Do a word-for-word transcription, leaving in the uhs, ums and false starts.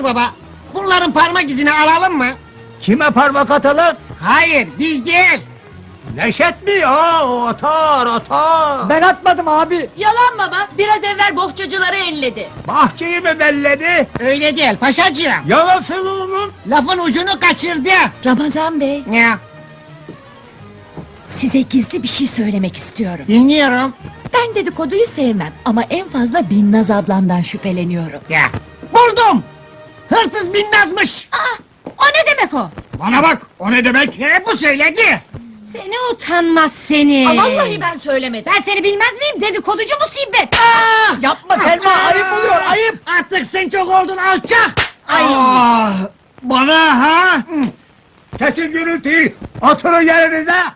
baba. Bunların parmak izini alalım mı? Kime parmak atalım? Hayır, biz değil. Neşet mi? Aa, o atar atar. Ben atmadım abi. Yalan baba, biraz evvel bohçacıları elledi. Bahçeyi mi belledi? Öyle değil paşacığım. Ya nasıl onun? Lafın ucunu kaçırdı. Ramazan Bey, Ne? size gizli bir şey söylemek istiyorum. Dinliyorum. Ben dedikoduyu sevmem ama en fazla Binnaz ablamdan şüpheleniyorum. Ya. Buldum. Hırsız Binnaz'mış. Aa, o ne demek o? Bana bak, o ne demek? Ne bu söyledi? Seni utanmaz seni. Aa, vallahi ben söylemedim. Ben seni bilmez miyim? Dedikoducu musibet. Ah! Yapma Selma, ayıp oluyor, ayıp. Artık sen çok oldun alçak. Ay. Ah, bana ha? Kesin gürültüyü, oturun yerinize.